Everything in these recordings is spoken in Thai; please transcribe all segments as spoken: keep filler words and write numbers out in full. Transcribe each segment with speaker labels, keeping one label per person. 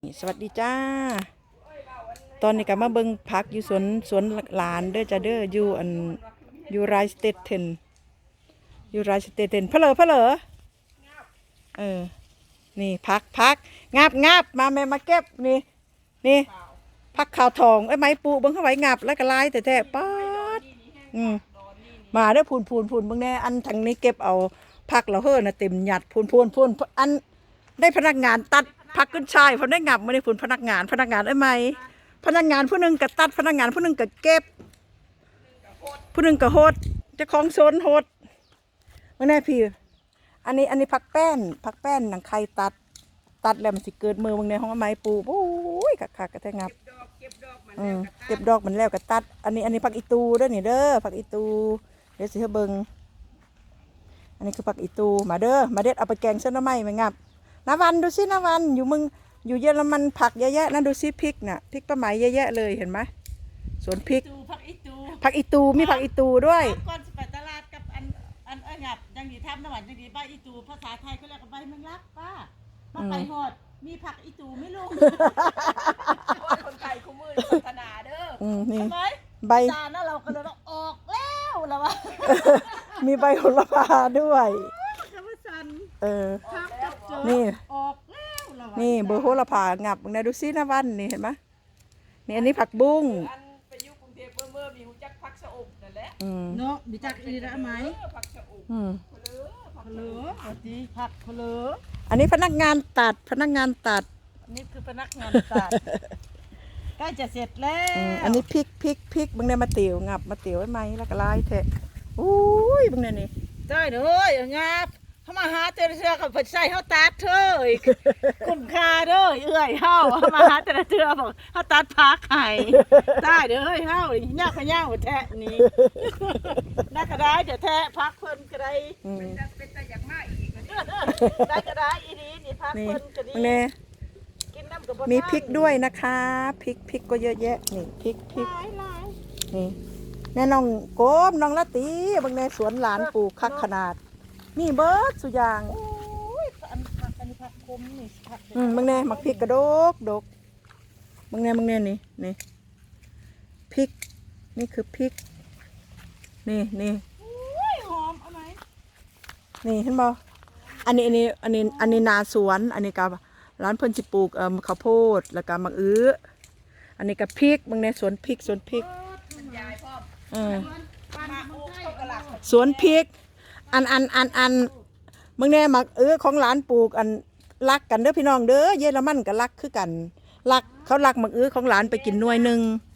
Speaker 1: สวัสดีจ้าตอนนี้ก็มาเบิ่งพักอยู่สวนสวนหลานเด้อจ้าเด้ออยู่อันอยู่ไรสเตทเทนอยู่ไรสเตทเทนเพลอเพลอเออนี่พักพักงาบงาบมาแม่มาเก็บนี่นี่พักขาวทองไอ้ไม้ปูเบิ่งเข้าไว้งับแล้วก็ลายแต่แท้ป๊าดอืมมาเด้อพูนพูนพูนเบิ่งแน่อันทางนี้เก็บเอาพักเราเฮ้อน่ะเต็มหยัดพูนพูนพูนอันได้พนักงานตัดพักขึ้นชายพอได้งับไม่ได้พูนพนักงานพนักงานไอ้ไม้พนักงานผู้หนึ่งก็ตัดพนักงานผู้หนึ่งก็เก็บผู้หนึ่งก็โหดเจ้าของโซนโหดไม่แน่พี่อันนี้อันนี้พักแป้นพักแป้นหนังไข่ตัดตัดแล้วมันสิเกิดมือมึงในห้องไม้ปูโอ้ยคักคักกระแทกงับอืมเก็บดอกมันแล้วก็ตัดอันนี้อันนี้พักอีตูเด้อนี่เด้อพักอีตูเดี๋ยวสิเฮาเบิ่งอันนี้คือพักอีตูมาเด้อมาเด็ดเอาไปแกงเส้นน้ำไหม้มางับน้ำวันดูสิน้ำวันอยู่มึงอยู่เยอรมันผักเยอะแยะนั่นดูสิพริกน่ะพริกปลาไหมเยอะแยะเลยเห็นไหมสวนพริก
Speaker 2: ผักอีตู
Speaker 1: ผักอีตูมีผักอีตูด้วย
Speaker 2: ก่อนจะไปตลาดกับอันอันเอ้ยงับยังดีทำน้ำหวานยังดีใบอีตูภาษาไทยเขาเรียกว่าใบแมงลักป้ามาไปหอดมีผักอีตูไม่ลงคนไทยคู่มือพัฒนาเด้อ
Speaker 1: นี่
Speaker 2: ใบจานนั้นเราก็เลยว่าออกแล้วแล้ววะ
Speaker 1: มีใบโหระพาด้วยเออนี่
Speaker 2: ออกแล้วแล้ววะ
Speaker 1: นี่เบอร์โหระพางับมึงนะดูซินะวันนี่เห็นไหมนี่อันนี้ผักบุ้ง
Speaker 2: อันไปอยู่กรุงเทพเมื่อมีหูจักผักชะอมนั่นแหละเนาะมีจักอีได้ไหมผักชะอม
Speaker 1: อืม
Speaker 2: ผักเหลือผักดีผักเหลือ
Speaker 1: อันนี้พนักงานตัดพนักงานตัด
Speaker 2: นี่คือพนักงานตัดใกล้จะเสร็จแล้ว
Speaker 1: อันนี้พริกพริกพริกมึงเนี่ยมาเตี๋ยวงับมาเตี๋ยวไว้ไหมแล้วก็ลายเทะอุ้ยมึงเนี่ยนี่
Speaker 2: ได้เลยงับเขามาหาเจอเชือกับผัดไส้เขาตัดเธอคุ้มค่าเด้อเอื่อยเฮาเขามาหาเจอเชือบอกเขาตัดพักไข่ได้เด้อเฮาย่าขย่าหัวแทะนี่น่าก็ได้เดี๋ยวแทะพักเพิ่นก็ได้เป็นแต่อยากมาอีกได้ก็ได้อีนี้นี่พักเพิ่นก็ดีกินน้ำกับ
Speaker 1: มีพริกด้วยนะคะพริกพริกก็เยอะแยะนี่พริกพริกนี่แน่น้องโกมน้องละตีบางในสวนหลานปลูกคักขนาดนี่เบิร์ดสุยาง
Speaker 2: โอ้ยอันผักอันนี้ผักคมนี่ผัก
Speaker 1: อืมบางแน่หมักพริกกระดกดกบางแน่บางแน่นี่นี่พริกนี่คือพริกนี่นี่
Speaker 2: โอ้ยหอมเอาไหม
Speaker 1: นี่เห็นบ่อันนี้อันนี้อันนี้อันนี้นาสวนอันนี้กับร้านเพิ่นสิปลูกเอ่อข้าวโพดแล้วก็มะอื้ออันนี้กับพริกบางแน่สวนพริกสวนพริกอืมสวนพริกอันอันอันอันมึงแน่มักเออของหลานปลูกอันรักกันเด้อพี่น้องเด้อเยอรมันก็รักคือกันรักเขารักมักเออของหลานไปกินหน่วยหนึ่ง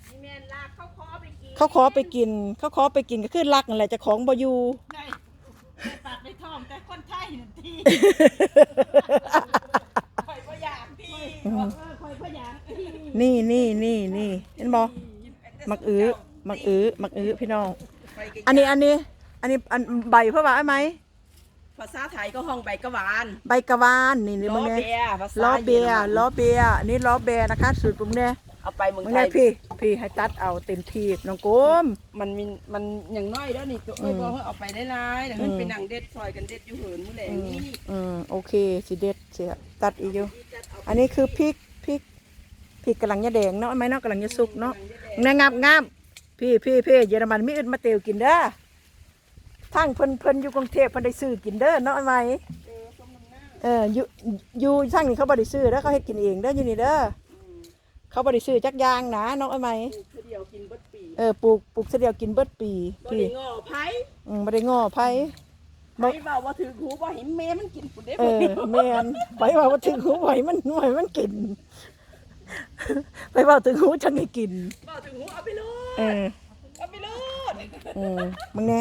Speaker 1: เขาขอไปกินเขาขอไปกินก็คือรักนั่นแหละจะของบ่อยู่
Speaker 2: ปากในท้องแต่คนไทยนั่นทีคอยพยายามพี่คอยพยายาม
Speaker 1: นี่นี่นี่นี่เห็นบ่มักเออมักเออมักเออพี่น้องอันนี้อันนี้อันนี้อันใบเพราะว่าไอ้ไหม
Speaker 2: ภาษาไทยก็ห้องใบกะวาน
Speaker 1: ใบกะวานนี่นี่มึงเนี่ยล้อเบียล้อเบียนี่ล้อเบียนะคะสูตรมึงเนี่ย
Speaker 2: เอาไปมึง
Speaker 1: ไทยพี่พี่ให้ตัดเอาเต็มที่น้องโกม
Speaker 2: มันมีมันอย่างน้อยแล้วนี่ตัวเอ้ยบอกให้เอาไปได้ร้ายแต่มันเป็นหนังเด็ดซอยกันเด็ดอยู่เหินมื้อแหลงนี่
Speaker 1: อืมโอเคสิเด็ดเสียตัดอีกอยู่อันนี้คือพริกพริกพริกกำลังจะแดงเนาะไหมเนาะกำลังจะสุกเนาะงามงามพี่พี่พี่เยอรมันมีอื่นมาเตียวกินเด้อทั้งเพิ่นเพิ่นอยู่กรุงเทพเพิ่นได้ซื้อกินเด้อเนาะไหมเอออยู่อยู่ทั้งนี่เขาบ่ได้ซื้อแล้วเขาให้กินเองเด้ออยู่นี่เด้อเขาบ่ได้ซื้อจักยางนะเนาะไหมเออปลูกปลูกเดียวกินเบิดปี
Speaker 2: พี่บ่ได้ง้อไผ
Speaker 1: อืมบ่ได้ง้อไผ
Speaker 2: ไผเว้าว่าถือหูบ่เห็นแม่มันกินพุ่นเด้
Speaker 1: เออแม่นไผว่าว่าถึงหูไผมันหน่วยมันกินไปเว้าถึงหูจังให้กิน
Speaker 2: เว้าถึงหูเอาไปโลด
Speaker 1: เออ
Speaker 2: เอาไปโลด
Speaker 1: เออมึงแน่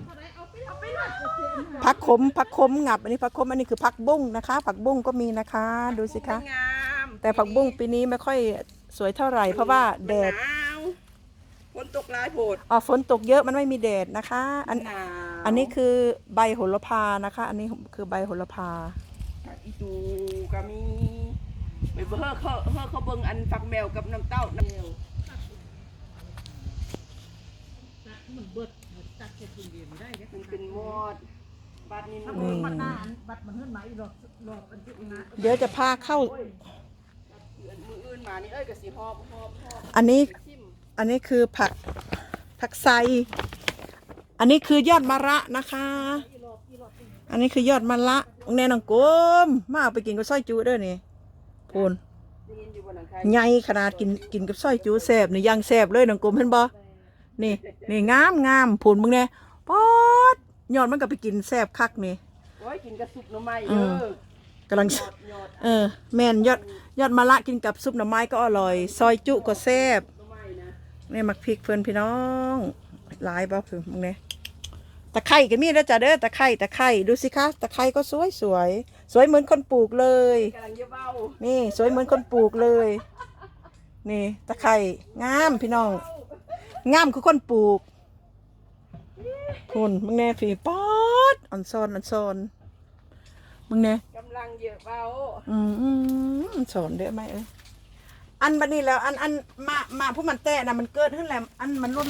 Speaker 1: ผักขมผักขมงับอันนี้ผักขมอันนี้คือผักบุ้งนะคะผักบุ้งก็มีนะคะดูสิคะแต่ผักบุ้งปีนี้ไม่ค่อยสวยเท่าไหร่เพราะว่าแดด
Speaker 2: ฝนตกหลายโพด
Speaker 1: อ๋อฝนตกเยอะมันไม่มีแดดนะคะอันอันนี้คือใบโหระพานะคะอันนี้คือใบโหระพา
Speaker 2: อีตูก็มีไปเบิ่งเขาเขาเขาเบิ่งอันฝักแมวกับน้ำเต้าน้ำแมวมันเบิดตัดแค่คนเดียวได้มันเป็นมอดบัดนี้มันบัดหน้าบัดมันเฮือนไหมหรอกหลอกอันที่นะ
Speaker 1: เดี๋ยวจะพาเข้า
Speaker 2: มานี่เอ้ยก็สิหอบหอบหอบ
Speaker 1: อันนี้
Speaker 2: ชิม
Speaker 1: อันนี้คือผักผักไซอันนี้คือยอดมะระนะคะ อันนี้คือยอดมะระแน่นองกลมมาเอาไปกินกับซอยจูเด้อนี่พูน
Speaker 2: ได้ยินอยู่บนหลังคา
Speaker 1: ใหญ่ขนาดกินกินกับซอยจูแซ่บนี่ย่างแซ่บเลยน้องกลมเห็นบ่นี่นี่งามงามพูนมึงแน่ป๊อดยอดมันก็ไปกินแซ่บคักนี่
Speaker 2: โอ้ยกินกระสุบหน่อไม้
Speaker 1: อื
Speaker 2: เด้
Speaker 1: ม
Speaker 2: อก
Speaker 1: ำลัง
Speaker 2: ยอดยอด
Speaker 1: เออแม่นยอดยอดมะระกินกับซุปหน่อไม้ก็อร่อย ซอยจุก็แซ่บ
Speaker 2: หน่อไม้นะ
Speaker 1: นี่มักพริกเพื่อนพี่น้องหลายบ่คือมึงเนี่ยตะไคร่ก็มีแล้วจ้ะเด้อตะไคร่ตะไคร่ดูสิคะตะไคร่ก็สวยสวยสวยเหมือนคนปลูกเลย
Speaker 2: กำลังเยอะเบ้า
Speaker 1: นี่สวยเหมือนคนปลูกเลย นี่ตะไคร่งามพี่น้องงามคือคนปลูกคุณมึงแน่พี่ป๊อดอ่อนซอนอ่อนซอนมึงแน่
Speaker 2: กำลังเยอะเบ้า
Speaker 1: อืมอืมสอนเด้อไหมเอ้ยอันบัดนี้แล้วอันอันมามาผู้มันแตะนะมันเกิดขึ้นแล้วอันมันรุ่น